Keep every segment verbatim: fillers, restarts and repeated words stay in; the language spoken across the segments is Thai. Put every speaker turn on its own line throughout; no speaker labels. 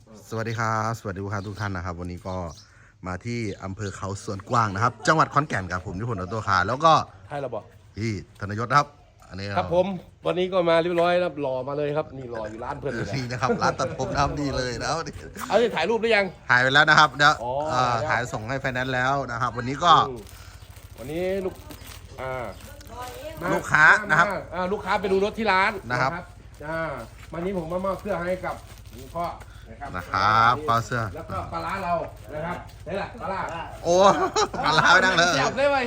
สวัสดีครับสวัสดีลูกค้าทุกท่านนะครับวันนี้ก็มาที่อำเภอเขาสวนกวางนะครับจังหวัดขอนแก่นครับผมนิพนธ์ออโต้คาร์แล้วก็
ใช่เราบอก
พี่ธนยศนะครับอันนี้
ครับผมวันนี้ก็มาเรียบร้อยแล้วหล่อมาเลยครับนี่หล่ออยู่ร้านเพื่อนเลย
นี่นะครับร้านตัดผมนะครับนี่เลยแล้ว
เอาจะถ่ายรูปหรือยัง
ถ่ายไปแล้วนะครับเดี๋ยว
อ๋อ
เอ่อ
แล้ว
ถ่ายส่งให้ไฟแนนซ์แล้วนะครับ วันนี้ก็
อืมวันนี้ลูกอ่ามา
ลูกค้านะครับ
มอ่าลูกค้าไปดูรถที่ร้าน
นะครับ
อ่าวันนี้ผมมามอบเสื้อให้กับคุณพ่อนะครับ
นะครับปลาเสื้อ
แล้วก็ปลาร้าเรานะครับนี่แหละปลาร้า
โอ้ปลาลาไปนั่งเลย
จับได้ไหม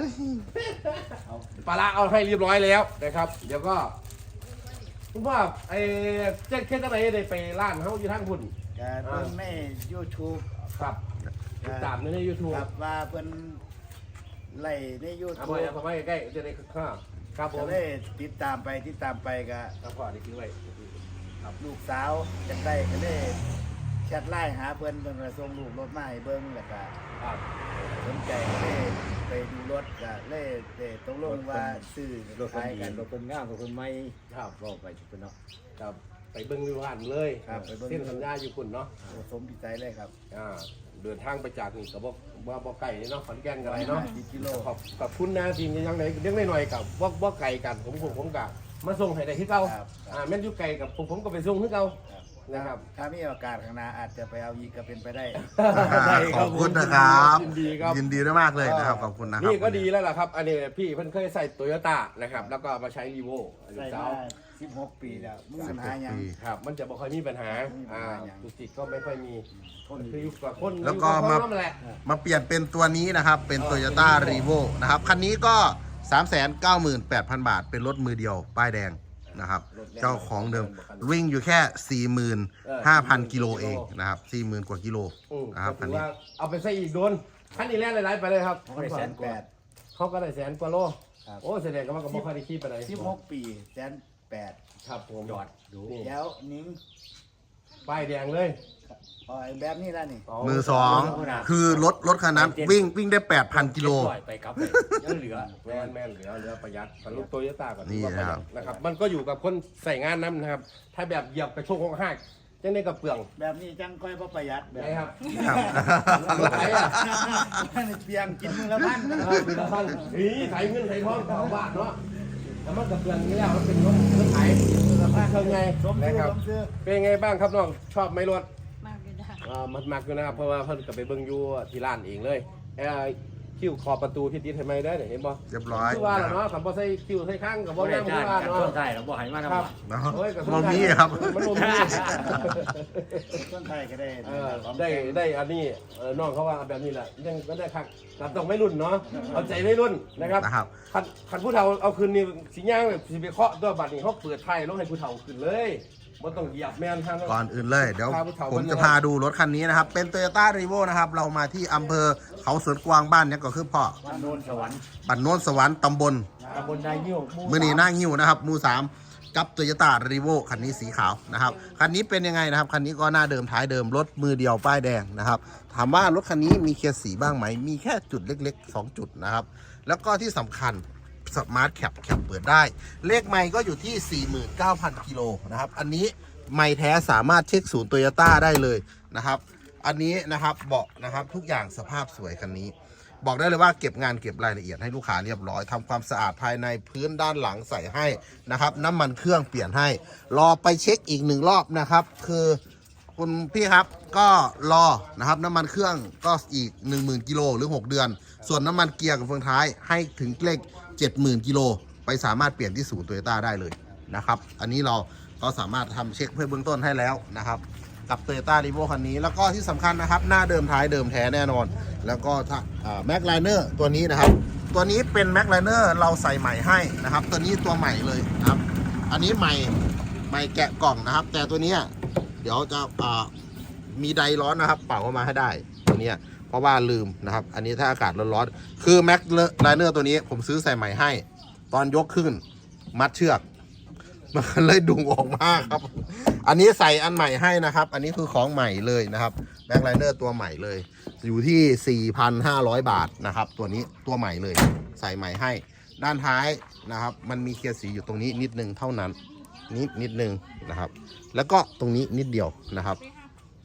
ปลาร้าเอาให้เรียบร้อยแล้วนะครับ เดี๋ยวก็คุณพ่อไอ้เจ๊เจ๊จะไปได้ไปร้านเขาอยู่ทางคุณ
ก็เพิ่นใน YouTube
ครับติดตามในยูทูบ
ครับว่าเพิ่นไล่ใน
เอา
YouTube
ไปเอาไปใกล้ๆจะได้ข้าครับผ
ก็
ม
เลยติดตามไปติดตามไปก็
ครับพ่อได้คิดไว้
ลูกสาวจังได้ก็เลยแชทไลน์หาเพิ่นเพิ่นก็ส่งรูปรถมาให้เบิ่งแล้วก็
ครับ
สนใจก็เลยไปดูรถก็เลยได้ตกลงว่าซื้อ
รถคน
ขาย
ดี
กัน
รถคนงามรถคนไม่
ครับ
บอกไปจุดเนาะ
ครับไปเบิ้งวิวหันเลย
ครับไปเบิ่ง
เส้นสัญญาอยู่คุณเนาะ
สมพิจัยเลยครับ
อ่าเดินทางไปจากนี่กับบอกว่าบอกไก่เนาะขอนแก่นกันอะไรเนาะ
สิบกิโล
ขอบขอบคุณนะทีมยังไงเลี้ยงหน่อยๆกับว่าว่าไก่กันผมผมผมกับมาส่งให้ได้ที่เก่า
ครับ
อ่าแม่นอยู่ไก่กับผมผมก็ไปส่งที่เก่า
ครับ
นะครับ
ถ้ามีโอกาสข้างหน้าอาจจะไปเอาอีกก็เป็นไปได้
ได้
ขอบคุณนะครับ
ยินดีครับ
ยินดีด้วยมากเลยนะครับขอบคุณนะครับ
นี่ก็ดีแล้วล่ะครับ อันนี้พี่เพิ่นเคยใส่โตโยต้านะครับ แล้วก็มาใช้รีโว
ใส่
สา
มาว สิบหกปีแล้วมึงปัญหาหยัง
ปี
ครับ มันจะบ่ค่อยมีปัญหา
ไม่มีปัญ
อ่า
หาอย่าง
ตุกติกก็ไม่ค่อยมีคนคืออยู่กับคน
แล้วก็
อยู่
มา
บคนนั่นแหละ
มาเปลี่ยนเป็นตัวนี้นะครับ เป็น
อ๋อ
Toyota r e v o นะครับ คันนี้ก็ สามแสนเก้าหมื่นแปดพัน บาท เป็นรถมือเดียว ป้ายแดงนะครับ เจ้าของเดิม วิ่งอยู่แค่ สี่หมื่นห้าพัน กิโลเองนะครับ สี่หมื่น กว่ากิโล
อืม
นะครับ
ก็
คัน
ถือ
นี้
ว่าเอาไปใส่อีกโดนคันนี้แล่นหลายๆไปเลยครับ
เขาได้แสนแปด
เขาก็ได้แสนกว่าโล
ครับ
โอ้แสดงก็ว่าก็บ่ค่อยได้ขี้ไปไหน
สิบหกปีแสนแปด
ครับผม
ยอดดู
นี่
แล้วนิ้ง
ป้ายแดงเลย
อ๋อแบบนี้แล้วนี่
มือสอง คือรถรถคันนั้นวิ่งวิ่งได้ แปดพัน กิโล
ปล่อยไปกลับไปยังเหลือ
แม่นแม่นเหลือเหลือประหยัดกับลูกโตโยต้าก่อน
นี่
ว่าประหยัดนะครับ มันก็อยู่กับคนใส่งานน้ำนะครับ ถ้าแบบเหยียบกระโชกของหักจังได้กับเปลือง
แบบนี้จังค่อยบ่ประหยัดแบบ
ไหนครับ
ครับ
รถไถอ่ะ
เพียงกินมือละพัน
เออคือละพันนี่ไถเงินไถทองสองบาทเนาะแล้วมันกับเปลืองนี่แล้วมันเป็นรถรถไถละพันเท่าไง
สม
นะ
ซื้อ
ครับ
สมซื้อ
เป็นไงบ้างครับน้องชอบไหมรถ
มากเลยนะ
อ่ามันมักอยู่นะครับเพราะว่าเพิ่นก็ไปเบิ่งอยู่ที่ร้านเองเลยเอ่อคิ้วขอบประตูที่ติดให้ไหมได้อเนี่ยเห็นบ่
เรียบร้อย
คือว่า
นะ
ล่ะ
ครับ
เนาะคันบ่ใส่คิ้วใส่ข้างก็บ่
บ่ได้
งาม
จ้า
คื
ง
อว่า
กัน
เนาะ
ต้นไทยเราบ่ให้มา
ค
ทำ
รับ
เนาะ
โอ้ยก็
บ่มีครับ
มันบ่มี
ต้นไทยก็ได้
เออได้ได้อันนี้เออน้องเขาว่าแบบนี้แหละยังก็ได้คักแต่ต้องไม่รุ่นเนาะเอาใจไม่รุ่นนะครับ
นะครับ
คันคันผู้เฒ่าเอาคืนนี่สิย่างแบบสิไปเคาะตัวบัดนี้เขาเปิดไทยลงให้ผู้เฒ่าขึ้นเลยบ่ต้องเหยียบแม่นทาง
ก่อนอื่นเลย เดี๋ยว
พาผู้เฒ่า
ผม
มา
จะพาดูรถคันนี้นะครับ เป็น Toyota r e v o นะครับ เรามาที่อำเภอเขาสวนกวางบ้านเนี่ยก็คือพ่อ
บ้านโนนสวรรค์
บ้านโน้นสวรรค์ตำบล
ตำบลนายยิ้วห
มือนีหน้าหิ้วนะครับหมูสามกับ Toyota r e v o คันนี้สีขาวนะครับ คันนี้เป็นยังไงนะครับ คันนี้ก็หน้าเดิมท้ายเดิมรถมือเดียวป้ายแดงนะครับ ถามว่ารถคันนี้มีเคสสีบ้างไหม มีแค่จุดเล็กๆ สอง จุดนะครับ แล้วก็ที่สำคัญสมาร์ทแคปแคปเปิดได้ เลขไมค์ก็อยู่ที่ สี่หมื่นเก้าพัน กิโลนะครับ อันนี้ไมค์แท้สามารถเช็คศูนย์โตโยต้าได้เลยนะครับ อันนี้นะครับเบาะนะครับทุกอย่างสภาพสวยคันนี้ บอกได้เลยว่าเก็บงานเก็บรายละเอียดให้ลูกค้าเรียบร้อยทำความสะอาดภายในพื้นด้านหลังใส่ให้นะครับ น้ำมันเครื่องเปลี่ยนให้ รอไปเช็คอีกหนึ่งรอบนะครับ คือคุณพี่ครับก็รอนะครับน้ำมันเครื่องก็อีก หนึ่งหมื่น กิโลหรือ หก เดือน ส่วนน้ำมันเกียร์กับเฟืองท้ายให้ถึงเลข เจ็ดหมื่น กิโลไปสามารถเปลี่ยนที่ศูนย์โตโยต้าได้เลยนะครับ อันนี้เราก็สามารถทำเช็คเพื่อเบื้องต้นให้แล้วนะครับ กับ Toyota r e v o คันนี้แล้วก็ที่สำคัญนะครับ หน้าเดิมท้ายเดิมแท้แน่นอน แล้วก็แม็กไลเนอร์ตัวนี้นะครับ ตัวนี้เป็นแม็กไลเนอร์เราใส่ใหม่ให้นะครับ ตัวนี้ตัวใหม่เลยนะครับ อันนี้ใหม่ใหม่แกะกล่องนะครับ แต่ตัวนี้เดี๋ยวจะมีไดร้อนนะครับ เป่าเข้ามาให้ได้ตัวนี้เพราะว่าลืมนะครับ อันนี้ถ้าอากาศร้อนๆคือแม็กไลเนอร์ตัวนี้ผมซื้อใส่ใหม่ให้ ตอนยกขึ้นมัดเชือกมันเลยดุงออกมากครับ อันนี้ใส่อันใหม่ให้นะครับ อันนี้คือของใหม่เลยนะครับแบ็คไลเนอร์ตัวใหม่เลย อยู่ที่ สี่พันห้าร้อย บาทนะครับ ตัวนี้ตัวใหม่เลย ใส่ใหม่ให้ ด้านท้ายนะครับ มันมีเคลียร์สีอยู่ตรงนี้นิดนึงเท่านั้น นิดนิดนึงนะครับ แล้วก็ตรงนี้นิดเดียวนะครับ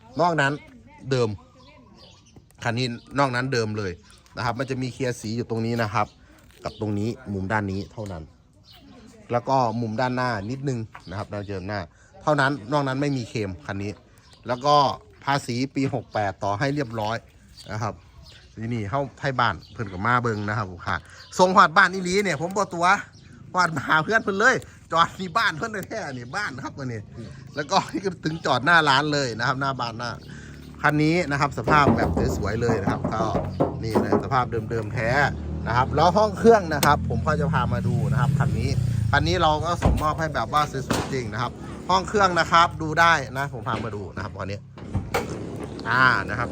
นอกนั้นเดิมคันนี้นอกนั้นเดิมเลยนะครับมันจะมีเคลียร์สีอยู่ตรงนี้นะครับกับตรงนี้มุมด้านนี้เท่านั้นแล้วก็มุมด้านหน้านิดนึงนะครับเราเจอหน้าเท่านั้นนอกนั้นไม่มีเคมคันนี้แล้วก็ภาษีปีหกแปดต่อให้เรียบร้อยนะครับนี่นี่เข้าไทยบ้านเพิ่นกับมาเบิงนะครับค่ะทรงหอดบ้านอีหลีเนี่ยผมบอกตัวหอดมาหาเพื่อนเพิ่นเลยจอดที่บ้านเพิ่นแท้ๆนี่บ้านครับวันนี้แล้วก็นี่ก็ถึงจอดหน้าร้านเลยนะครับหน้าบ้านหน้าคันนี้นะครับสภาพแบบสวยๆเลยนะครับก็นี่เลยสภาพเดิมๆแท้นะครับแล้วห้องเครื่องนะครับผมก็จะพามาดูนะครับคันนี้คันนี้เราก็ส่งมอบให้แบบว่าสวยๆจริงนะครับห้องเครื่องนะครับดูได้นะผมพามาดูนะครับวันนี้อ่านะครับ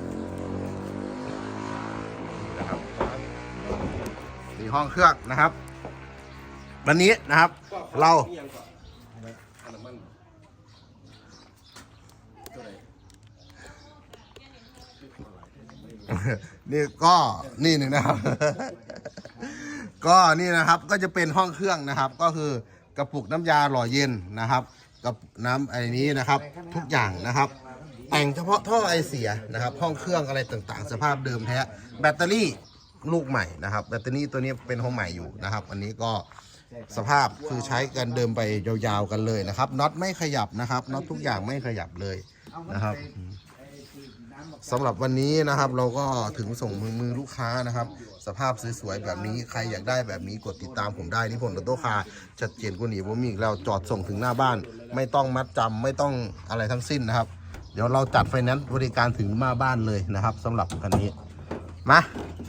นะครับนี่ห้องเครื่องนะครับวันนี้นะครับเรานี่ก็นี่หนึ่งนะครับ ก็นี่นะครับก็จะเป็นห้องเครื่องนะครับก็คือกระปุกน้ำยาหล่อเย็นนะครับกับน้ำไอ้นี้นะครับทุกอย่างนะครับแต่งเฉพาะท่อไอเสียนะครับห้องเครื่องอะไรต่างๆสภาพเดิมแท้แบตเตอรี่ลูกใหม่นะครับแบตเตอรี่ตัวนี้เป็นห้องใหม่อยู่นะครับอันนี้ก็สภาพคือใช้กันเดิมไปยาวๆกันเลยนะครับน็อตไม่ขยับนะครับน็อตทุกอย่างไม่ขยับเลยนะครับสำหรับวันนี้นะครับเราก็ถึงส่งมือมือลูกค้านะครับสภาพสวยๆแบบนี้ใครอยากได้แบบนี้กดติดตามผมได้นิพนธ์ออโต้คาร์ชัดเจนกว่านี้ผมมีอีกแล้วจอดส่งถึงหน้าบ้านไม่ต้องมัดจำไม่ต้องอะไรทั้งสิ้นนะครับเดี๋ยวเราจัดไฟแนนซ์บริการถึงหน้าบ้านเลยนะครับสำหรับคันนี้มา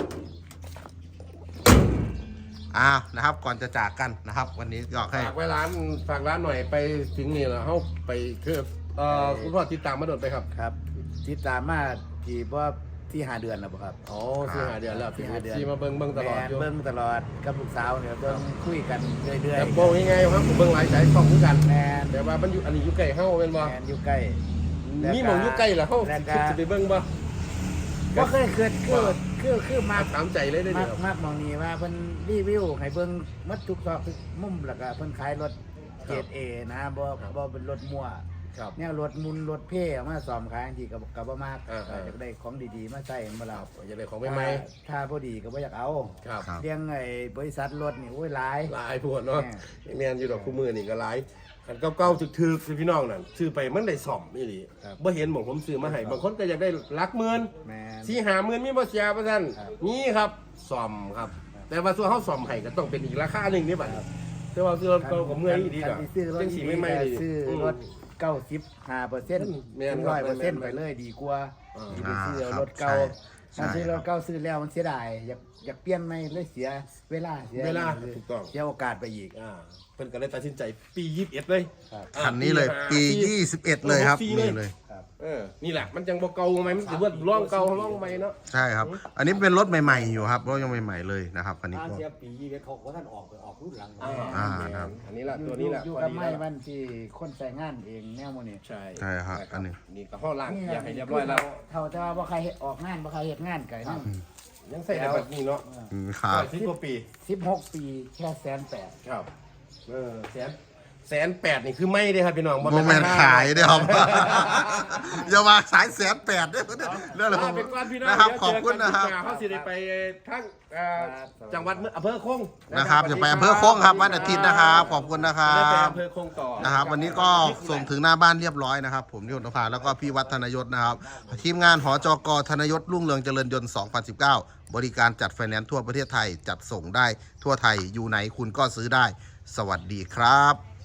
อ้าวนะครับก่อนจะจากกันนะครับวันนี้ก็ให้
ฝากไว้ร้านฝากร้านหน่อยไปถึงนี่แล้วเขาไปคือเอ่อคุณพ่อติดตามมาโดนไปครับ
ครับติดตามมาที่ว่าที่หาเดือนแล้วบ่ครับ
อ๋อสี่หาเดือนแล้ว
สี่ห้าเดือน
ที่มาเบิ้งเบิ้งตลอด
แม่น
อยู่
เบิ้งตลอดกับลูกสาวเนี่ยเบิ้งคุยกันเรื่อย
แต่
ๆ
บอกยังไงครับผมเบิ้งหลายสายช่องเหมือนกัน
แมน
แต่ว่ามันอยู่อันนี้อยู่ใกล้เฮ้าเป็นบ่
แมนอยู่ใกล้ แล้วก็
มีหมองอยู่ใกล้เหรอเฮ้า
แล้วก็
จะไปเบิ้งบ่
ก็เคยเกิดคือคือคือมาก
ถามใจเลยได้
มา
เดี๋
ก
ยว
มากมองนี้ว่าเพิ่นรีวิวให้เบิ่งหมัดทุกซอกทุกมุมแล้วก็เพิ่นขายรถเกรด A นะบ่บ่เป็นรถมั่ว
ครับ
แนวรถมุนรถเพ่เอามาซ่อมขายบางทีก็ก็บ่มาก
อ่าๆ
อยากได้ของดีๆมาใส่บ่ล่ะ
อยากได้ของใหม่
ถ้าบ่ดีก็บ่อยากเอา
ๆครับ
ครับ
เรื่องไอ้บริษัทรถนี่โอ้ยหลาย
หลายพวกเนาะ
แม่
แม่นอยู่ดอกคู่มือนี่ก็หลายคันเก่าๆถึกๆคือพี่น้องนั่นซื้อไปมันได้ซ่อมอีหลี
ครับ
บ่เห็นหมองผมซื้อมาให้บางคนก็อยากได้หลักหมื่น
แม่น
สี่หาหมื่นมีบ่เสียประท่าน
ครับ
นี่ครับซ่อมครับ แต่ว่าส่วนเฮาซ่อมให้ก็ต้องเป็นอีกราคาหนึงนี่บัดแต่ว่าซื้อรถเก่าก็เมื่อยอีดี
คั
ก็
นที่ซื้อรถ
จังสีไม่ไหม่ดี
ซื้อรถเก้าสิบห้าเปอร์เซ็นต์
แม่นครับ
ร้อยเปอร์เซ็นต์
แม่
ไป
น
เลยดีกว่า
อ่า
ที่ไปซื้อ
อ่าครับ
รถเก่า
ใช่
ถ้าซื้อ
ใช่
รถเก่าซื้อแล้วมันเสียดายอยากอยากเปลี่ยนใหม่เลยเสียเวลาเสีย
เวลาถูกต้อง
เสียโอกาสไปอีก
อ่าเพิ่นก็เลยตัดสินใจปียี่สิบเอ็ดเลย
ครับ
อ่า
คันนี้เลยปี ยี่สิบเอ็ดเลยครับ
ปี
นี่เลย
ครับ
เออนี่แหละมันจังบ่เก่าไหมมันถือว่าร่องเก่าร่องใหม่เนาะ
ใช่ครับ อันนี้เป็นรถใหม่ๆอยู่ครับรถยังใหม่ๆเลยนะครับคันนี้
ทาง
ก็
เสียปียี่เวทเขาเขาท่านออกไปออกรุ่นหลัง
อ่า
อ่าครับ
อันนี้แหละตัวนี้แหละ
อยู่
พอ
กับ
ดี
ไม้
แล้ว
มันที่คนใส่งานเองแนวโมนี่
ใช่
ใช่ครับอันนี้
นี่ก็ห้อล่าง
นี่
อยากให้เรียบร้อยแล้ว
เท่าแต่ว่าบ่ใครเฮ็ดออกงานบ่ใครเฮ็ดงานไก่นั่น
ยังใส่ได้แบบนี้เนาะ
อืมครับ
สิบกว่าปี
สิบหกปีแค่แสนแปด
ครับเออแสนแสนแปดนี่คือไม่ได้ครับพี่น้อง
โมเมนต์ขายเด้อครับ อย่ามาสายแสนแปดเด้อเรื่องอะไร
ลาไปก่อนพี่น้อง
นะครับ
เดี๋ยว
ขอบคุณนะครับ
เจอกัเขาสิได้ไปทั้งเอ่อจังหวัดอำเภอคง
นะครับจะไปอำเภอโค้งครับวันอาทิตย์นะครับขอบคุณนะครั
จะได้ไป
บ
อำเภอคงต่อ
นะครับ วันนี้ก็ส่งถึงหน้าบ้านเรียบร้อยนะครับ ผมนิพนธ์นภาแล้วก็พี่วัฒนยศนะครับ ทีมงานหจกธนยศรุ่งเรืองเจริญยนต์ สองพันสิบเก้า บริการจัดไฟแนนซ์ทั่วประเทศไทยจัดส่งได้ทั่วไทยอยู่ไหนคุณก็ซื้อได้ สวัสดีครับ